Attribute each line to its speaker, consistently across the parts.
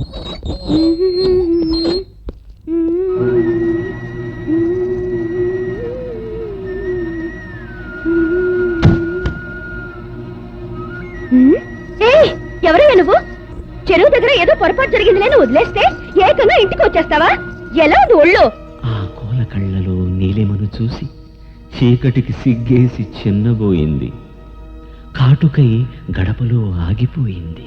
Speaker 1: ఎవరయ్యా నువ్వు? చెరువు దగ్గర ఏదో పొరపాటు జరిగిందిలే వదిలేస్తే ఏకంగా ఇంటికి వచ్చేస్తావా? ఎలా ఉంది ఒళ్ళు?
Speaker 2: ఆ కోల కళ్ళలో నీలిమను చూసి చీకటికి సిగ్గేసి చిన్నబోయింది. కాటుకై గడపలో ఆగిపోయింది.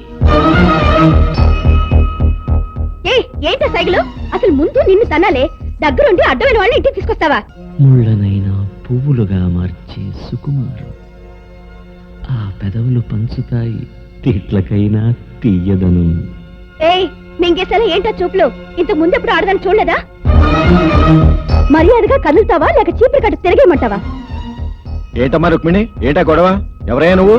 Speaker 1: ఏంట సైకిలు? అసలు ముందు నిన్ను తనాలే, దగ్గరుండి అడ్డమైన వాళ్ళని ఇంటికి తీసుకొస్తావా?
Speaker 2: ముళ్ళనైనా పువ్వులుగా మార్చే సుకుమారం. ఆ పెదవులు పంచుతాయి తిట్లకైనా తీయదను.
Speaker 1: మింగేసేలా ఏంటా చూపులు? ఇంతకు ముందు ఎప్పుడు ఆడదాన్ని చూడలేదా? మర్యాదగా కదులుతావా లేక చీపురు కట్టు తిరిగేయమంటావా?
Speaker 3: ఏంటమ్మా రుక్మిణి, ఏంటా గొడవ? ఎవరయ్యా నువ్వు?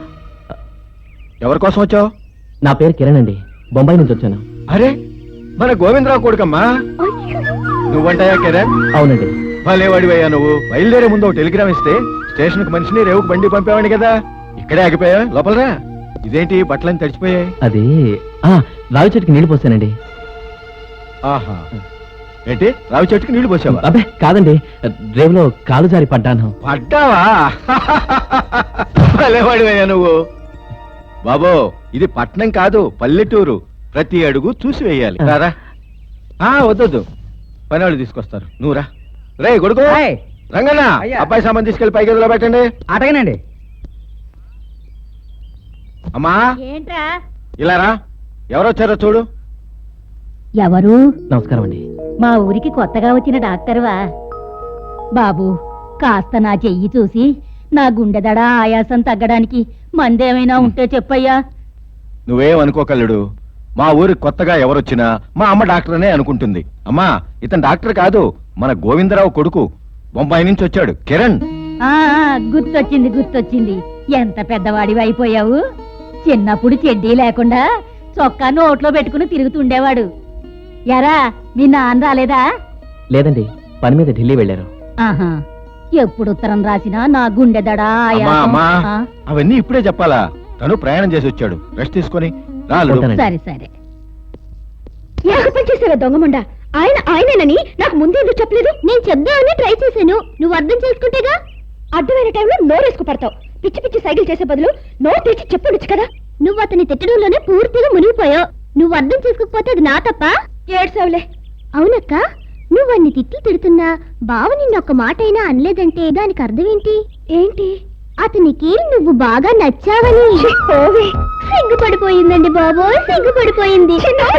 Speaker 3: ఎవరి కోసం వచ్చావు?
Speaker 2: నా పేరు కిరణ్ అండి, బొంబాయి నుంచి వచ్చాను.
Speaker 3: అరే, మన గోవిందరావు కొడుకమ్మా. నువ్వంటాయా కిరణ్?
Speaker 2: అవునండి.
Speaker 3: భలేవాడివయ్యా నువ్వు. బయలుదేరే ముందు ఒక టెలిగ్రామ్ ఇస్తే స్టేషన్ కు మనిషిని రేవుకు బండి పంపేవాడి కదా. ఇక్కడే ఆగిపోయా, లోపలరా. ఇదేంటి బట్టలని తడిచిపోయాయి?
Speaker 2: అది రావి చెట్టుకి నీళ్లు పోసానండి.
Speaker 3: ఆహా, ఏంటి రావి చెట్టుకి నీళ్లు పోసావా?
Speaker 2: అబ్బే కాదండి, రేవులో కాలు జారి పడ్డాను.
Speaker 3: పడ్డావా? భలేవాడివయ్యా నువ్వు. బాబో, ఇది పట్నం కాదు, పల్లెటూరు. ప్రతి అడుగు చూసి వేయాలి. రారా. వద్దొద్దు, పని వాళ్ళు తీసుకొస్తారు. నువ్వు రా. రే కొడుకు రంగన్న, అబ్బాయి సామాన్ తీసుకెళ్లి పై గదిలో పెట్టండి.
Speaker 4: అటగనండి.
Speaker 3: అమ్మా
Speaker 1: ఏంట్రా?
Speaker 3: ఇలా రా. ఎవరొచ్చారో చూడు.
Speaker 1: ఎవరు?
Speaker 2: నమస్కారం అండి.
Speaker 1: మా ఊరికి కొత్తగా వచ్చిన డాక్టర్వా? బాబు, కాస్త నా చెయ్యి చూసి నా గుండెదడ ఆయాసం తగ్గడానికి మందేమైనా ఉంటే చెప్పయ్యా.
Speaker 3: నువ్వేం అనుకోకల్లుడు. మా ఊరికి కొత్తగా ఎవరొచ్చినా మా అమ్మ డాక్టర్ అనే అనుకుంటుంది. అమ్మా, ఇతను డాక్టర్ కాదు, మన గోవిందరావు కొడుకు. బొంబాయి నుంచి వచ్చాడు, కిరణ్.
Speaker 1: గుర్తొచ్చింది గుర్తొచ్చింది. ఎంత పెద్దవాడివి అయిపోయావు. చిన్నప్పుడు చెడ్డీ లేకుండా చొక్కా నోట్లో పెట్టుకుని తిరుగుతుండేవాడు. ఎరా, మీ నాన్న రాలేదా?
Speaker 2: లేదండి, పని మీద ఢిల్లీ వెళ్ళారు.
Speaker 1: ఆహా, ఎప్పుడు ఉత్తరం రాసినా నా గుండెదడ
Speaker 3: అమ్మా, అవన్నీ ఇప్పుడే చెప్పాలా? తను ప్రయాణం చేసి వచ్చాడు, రెస్ట్ తీసుకొని రాలు.
Speaker 1: సరే సరే. చేసావా దొంగముండ? ఆయనేనని నాకు ముందే ఎందుకు చెప్పలేదు? నేను చెప్దామని ట్రై చేశాను, నువ్వు అర్థం చేసుకుంటేగా. అడ్డమైన టైంలో నోరేసుకు పడతావు. పిచ్చి పిచ్చి సైకిల్ చేసే బదులు నోరు తెచ్చి చెప్పొచ్చు కదా. నువ్వు అతని తిట్టడంలోనే పూర్తిగా మునిగిపోయావు. నువ్వు అర్థం చేసుకోకపోతే అది నా తప్ప. ఏడ్సావులే. అవునక్క, నువ్వు అన్ని తిట్లు తిడుతున్నా బావ నిన్నొక్క మాట అయినా అనలేదంటే దానికి అర్థం ఏంటి? ఏంటి? అతనికి నువ్వు బాగా నచ్చావని. సిగ్గుపడిపోయిందండి బాబో, సిగ్గుపడిపోయింది.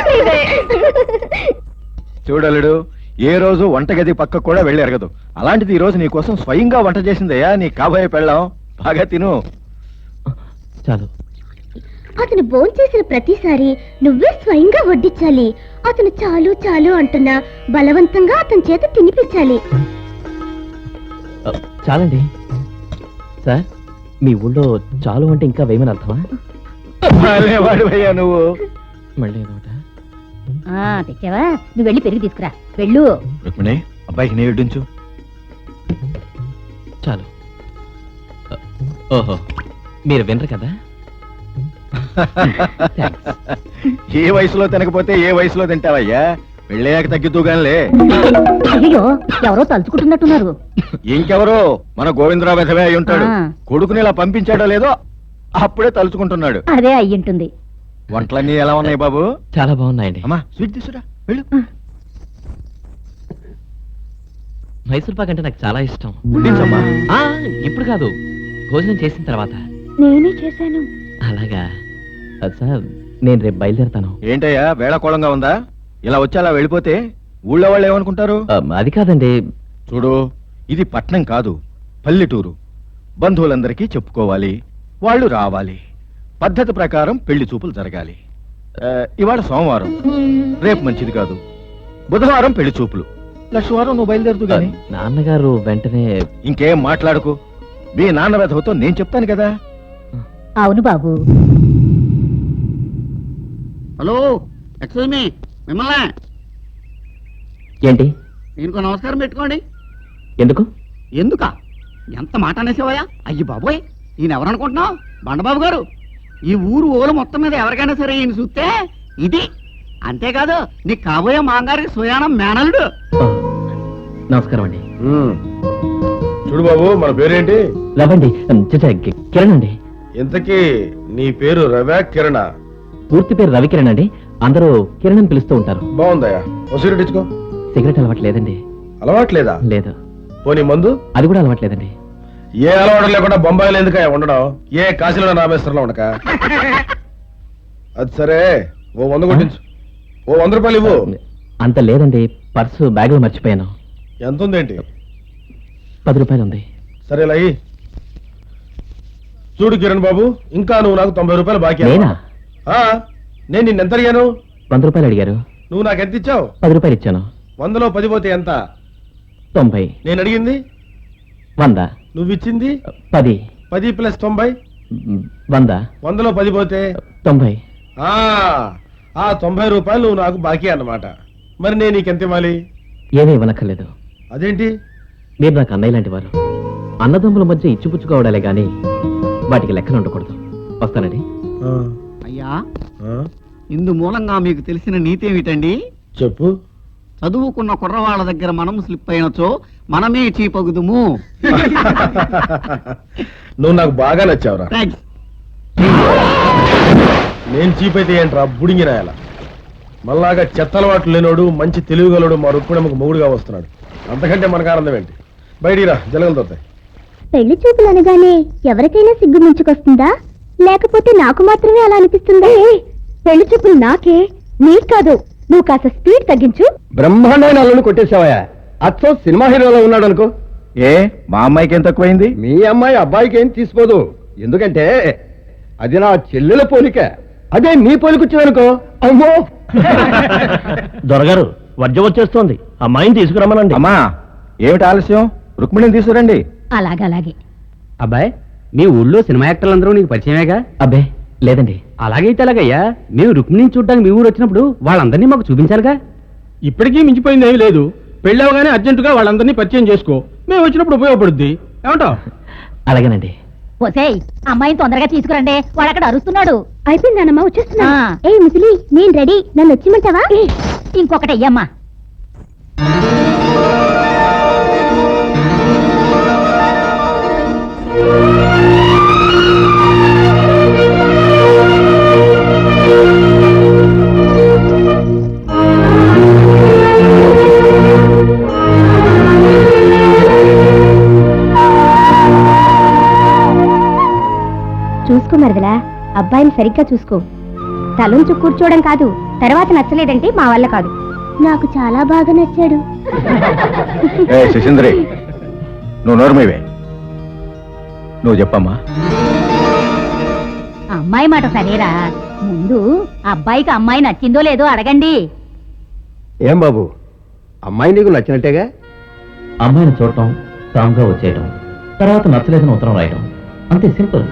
Speaker 3: చూడలుడు, ఏ రోజు వంటగది పక్క కూడా వెళ్ళి ఎరగదు. అలాంటిది ఈ రోజు నీ కోసం స్వయంగా వంట చేసిందయ్యా నీ కాబోయే పెళ్ళాం. బాగా తిను.
Speaker 2: చాలు.
Speaker 1: అతను భోంచేసిన ప్రతిసారి నువ్వే స్వయంగా వడ్డించాలి. అతను చాలు చాలు అంటున్నా బలవంతంగా అతని చేత తినిపించాలి.
Speaker 2: చాలండి. సార్, మీ ఊళ్ళో చాలు అంటే ఇంకా వేయమని అర్థమా?
Speaker 3: వాడివయ్యా నువ్వు.
Speaker 2: మళ్ళీ
Speaker 1: తెచ్చావా? నువ్వు వెళ్ళి పెరిగి తీసుకురా. వెళ్ళు.
Speaker 3: రుక్మిణి, అబ్బాయికి నీ వడ్డించు.
Speaker 2: చాలు. ఓహో, మీరు వినరు కదా.
Speaker 3: ఏ వయసులో తినకపోతే ఏ వయసులో తింటావయ్యా? వెళ్ళాక తగ్గిద్దుగానిలే.
Speaker 1: అయ్యో, ఎవరో తలుచుకుంటున్నట్టున్నారు.
Speaker 3: ఇంకెవరో మన గోవిందరావు వెధవే అయి ఉంటాడు. కొడుకుని ఇలా పంపించాడో లేదో అప్పుడే తలుచుకుంటున్నాడు.
Speaker 1: అదే అయ్యుంటుంది.
Speaker 3: వంటలన్నీ ఎలా ఉన్నాయి బాబు?
Speaker 2: చాలా బాగున్నాయండి.
Speaker 3: అమ్మా, స్వీట్ తీసురా, వెళ్ళు.
Speaker 2: మైసూర్ పాక్ అంటే నాకు చాలా ఇష్టం.
Speaker 3: వడ్డించమ్మా.
Speaker 2: ఇప్పుడు కాదు, భోజనం చేసిన తర్వాత.
Speaker 1: నేనే చేశాను.
Speaker 2: అలాగా సార్, నేను రేపు బయలుదేరతాను.
Speaker 3: ఏంటయ్యా వేళకోళంగా ఉందా? ఇలా వచ్చి అలా వెళ్ళిపోతే ఊళ్ళో వాళ్ళు ఏమనుకుంటారు?
Speaker 2: అది కాదండి.
Speaker 3: చూడు, ఇది పట్నం కాదు, పల్లెటూరు. బంధువులందరికీ చెప్పుకోవాలి, వాళ్ళు రావాలి. పద్ధతి ప్రకారం పెళ్లి చూపులు జరగాలి. ఇవాళ సోమవారం, రేపు మంచిది కాదు. బుధవారం పెళ్లి చూపులు, లక్షవారం నువ్వు బయలుదేరుతూ గాని.
Speaker 2: నాన్నగారు వెంటనే.
Speaker 3: ఇంకేం మాట్లాడుకు. మీ నాన్న వెధవతో నేను చెప్తాను కదా.
Speaker 1: అవును బాబు.
Speaker 4: హలో, ఎక్స్క్యూజ్ మీ, మిమ్మల్ని.
Speaker 2: ఏంటి?
Speaker 4: దీనికి నమస్కారం పెట్టుకోండి.
Speaker 2: ఎందుకు?
Speaker 4: ఎందుకా? ఎంత మాట అనేసేవయ్యా? అయ్యి బాబోయ్, ఈయన ఎవరనుకుంటున్నావు? బండబాబు గారు. ఈ ఊరు ఓలు మొత్తం మీద ఎవరికైనా సరే ఈయన చూస్తే ఇది అంతేకాదు నీకు కాబోయే మాంగారికి సుయానం మేనలుడు.
Speaker 2: ఓ, నమస్కారం అండి.
Speaker 5: చూడు బాబు, మన పేరేంటి?
Speaker 2: రవండి కిరణ్ అండి.
Speaker 5: ఇంతకీ నీ పేరు రవ్యా కిరణ?
Speaker 2: పూర్తి పేరు రవికిరణ్ అండి. అందరూ కిరణ్ అని పిలుస్తూ ఉంటారు.
Speaker 5: బాగుందయ్యా. ఓ సిగరెట్ ఇచ్చుకో.
Speaker 2: సిగరెట్ అలవాటు లేదండి.
Speaker 5: అలవాట్లేదా?
Speaker 2: లేదు.
Speaker 5: పోనీ మందు?
Speaker 2: అది కూడా అలవాట్లేదండి.
Speaker 5: ఏ అలవాటు లేకుండా బొంబాయిలో ఎందుకయ్యా ఉండడం? ఏ కాశీలో రామేశ్వరంలో ఉండక? అది సరే, ఓ 100 కొట్టించు. ఓ 100 రూపాయలు ఇవ్వు.
Speaker 2: అంత లేదండి, పర్సు బ్యాగ్ లో మర్చిపోయాను.
Speaker 5: ఎంత ఉందేంటి?
Speaker 2: 10 రూపాయలు ఉంది.
Speaker 5: సరే లయ్యి. చూడు కిరణ్ బాబు, ఇంకా నువ్వు నాకు 90 రూపాయలు బాకీ.
Speaker 2: నేనా?
Speaker 5: నేను నిన్నెంత అడిగాను?
Speaker 2: 100 రూపాయలు అడిగారు.
Speaker 5: నువ్వు నాకు ఎంత ఇచ్చావు?
Speaker 2: 10 రూపాయలు ఇచ్చాను.
Speaker 5: 100లో 10 పోతే ఎంత?
Speaker 2: 90.
Speaker 5: నేను అడిగింది
Speaker 2: 100.
Speaker 5: నువ్వు ఇచ్చింది
Speaker 2: 10.
Speaker 5: 10 ప్లస్ 90.
Speaker 2: 100.
Speaker 5: 100లో 10 పోతే
Speaker 2: 90.
Speaker 5: ఆ 90 రూపాయలు నువ్వు నాకు బాకీ అన్నమాట. మరి నేను నీకెంత ఇవ్వాలి?
Speaker 2: ఏమీ ఇవ్వనక్కర్లేదు.
Speaker 5: అదేంటి?
Speaker 2: మీరు నాకు అన్నయ్య లాంటి వారు. అన్నదమ్ముల మధ్య ఇచ్చిపుచ్చుకోవడాలే గాని వాటికి లెక్కలు ఉండకూడదు. వస్తానండి.
Speaker 4: అయ్యా, ఇందు మూలంగా మీకు తెలిసిన నీతి ఏమిటండి?
Speaker 5: చెప్పు.
Speaker 4: చదువుకున్న కుర్రవాళ్ళ దగ్గర మనం స్లిప్ అయినచో మనమే చీపగుదుము.
Speaker 5: నువ్వు నాకు బాగా నచ్చావురా.
Speaker 4: థాంక్స్.
Speaker 5: నేను చీప్ అయితే ఏంట్రా బుడింగినాయాల. మళ్ళాగా చెత్త అలవాట్లు లేనోడు, మంచి తెలివిగలడు మా రుక్మిణమ్మకు మొగుడుగా వస్తున్నాడు. అంతకంటే మనకు ఆనందం ఏంటి? బయటికి రా, జలగలు తోతాయి.
Speaker 1: పెళ్లి చూపులు అనగానే ఎవరికైనా సిగ్గు మించుకొస్తుందా, లేకపోతే నాకు మాత్రమే అలా అనిపిస్తుందా? పెళ్లి చూపులు నాకే, నీకు కాదు. నువ్వు కాస్త స్పీడ్ తగ్గించు.
Speaker 6: బ్రహ్మాండమైన అల్లుని కొట్టేశావయ్యా. అచ్చో సినిమా హీరోలో ఉన్నాడు అనుకో.
Speaker 3: ఏ మా అమ్మాయికి ఏం తక్కువైంది?
Speaker 6: మీ అమ్మాయి అబ్బాయికి ఏం తీసిపోదు. ఎందుకంటే అది నా చెల్లెల పోలిక. అదే నీ పోలిక వచ్చిందనుకో, అమ్మో.
Speaker 2: దొరగారు వర్జం వచ్చేస్తోంది, అమ్మాయిని తీసుకురమ్మనండి.
Speaker 3: అమ్మా, ఏమిటి ఆలస్యం? రుక్మిణిని తీసుకురండి.
Speaker 1: అలాగలాగే.
Speaker 7: అబ్బాయి, మీ ఊళ్ళో సినిమా యాక్టర్లందరూ నీకు పరిచయమేగా?
Speaker 2: అబ్బే లేదండి.
Speaker 7: అలాగైతే అలాగయ్యా, మేము రుక్మిణిని చూడడానికి మీ ఊరు వచ్చినప్పుడు వాళ్ళందరినీ మాకు చూపించాలిగా.
Speaker 6: ఇప్పటికీ మించిపోయింది ఏమీ లేదు. పెళ్ళవగానే అర్జెంటుగా వాళ్ళందరినీ పరిచయం చేసుకో. మేము వచ్చినప్పుడు ఉపయోగపడుద్ది. ఏమంటావు?
Speaker 2: అలాగేనండి.
Speaker 1: ఒసేయ్, అమ్మాయిని తొందరగా తీసుకురండి, వాడు అక్కడ అరుస్తున్నాడు. అయిపోయిందన్నమ్మా, వచ్చేస్తున్నా. ఏ ముసలి, నేను రెడీ, నన్ను వచ్చిమంటావా? ఇంకొకటి అయ్యమ్మా. చూసుకో మరదలా, అబ్బాయిని సరిగ్గా చూసుకో. తలుంచు కూర్చోవడం కాదు, తర్వాత నచ్చలేదంటే మా వల్ల కాదు. నాకు చాలా బాగా నచ్చాడు.
Speaker 3: ఏ శశీంద్రి, నువ్వు నోరుమేవే. నువ్వు చెప్పమ్మా.
Speaker 1: అమ్మాయి మాట సరేరా, ముందు అబ్బాయికి అమ్మాయి నచ్చిందో లేదో అడగండి.
Speaker 6: ఏం బాబు, అమ్మాయి నీకు నచ్చినట్టేగా?
Speaker 2: అమ్మాయిని చూడటం, స్ట్రాంగ్గా వచ్చేయటం, తర్వాత నచ్చలేదని ఉత్తరం రాయటం, అంతే సింపుల్.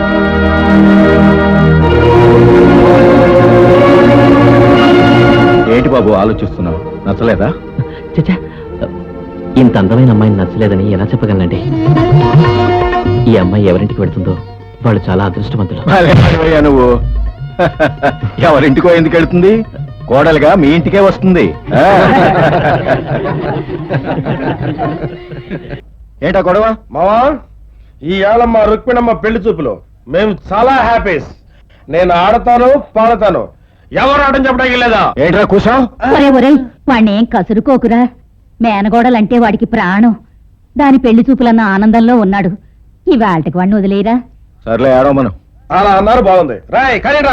Speaker 3: ఏంటి బాబు ఆలోచిస్తున్నావు? నచ్చలేదా?
Speaker 2: చచ్చా, ఇంత అందమైన అమ్మాయిని నచ్చలేదని ఎలా చెప్పగలనండి? ఈ అమ్మాయి ఎవరింటికి వెళ్తుందో వాళ్ళు చాలా అదృష్టవంతులు.
Speaker 3: భలే వాడివయ్యా నువ్వు. ఎవరింటికో ఎందుకు వెళ్తుంది? కోడలుగా మీ ఇంటికే వస్తుంది. ఏంటా గొడవ?
Speaker 5: మావా, ఈ ఏళమ్మ రుక్మిణమ్మ పెళ్లి చూపులో మేము చాలా హ్యాపీస్. నేను ఆడతాను, పాడతాను. ఎవరు ఆడని చెప్పడానికి లేదా?
Speaker 3: ఏంట్రా కూసావు?
Speaker 1: వాడిని ఏం కసురుకోకురా. మేనగోడలంటే వాడికి ప్రాణం. దాని పెళ్లి చూపులన్న ఆనందంలో ఉన్నాడు. ఇవాళకి వాడిని వదిలేరా.
Speaker 3: సర్లే, ఆడో మనం.
Speaker 5: అలా అన్నారు, బాగుంది. రాయ్ కానీ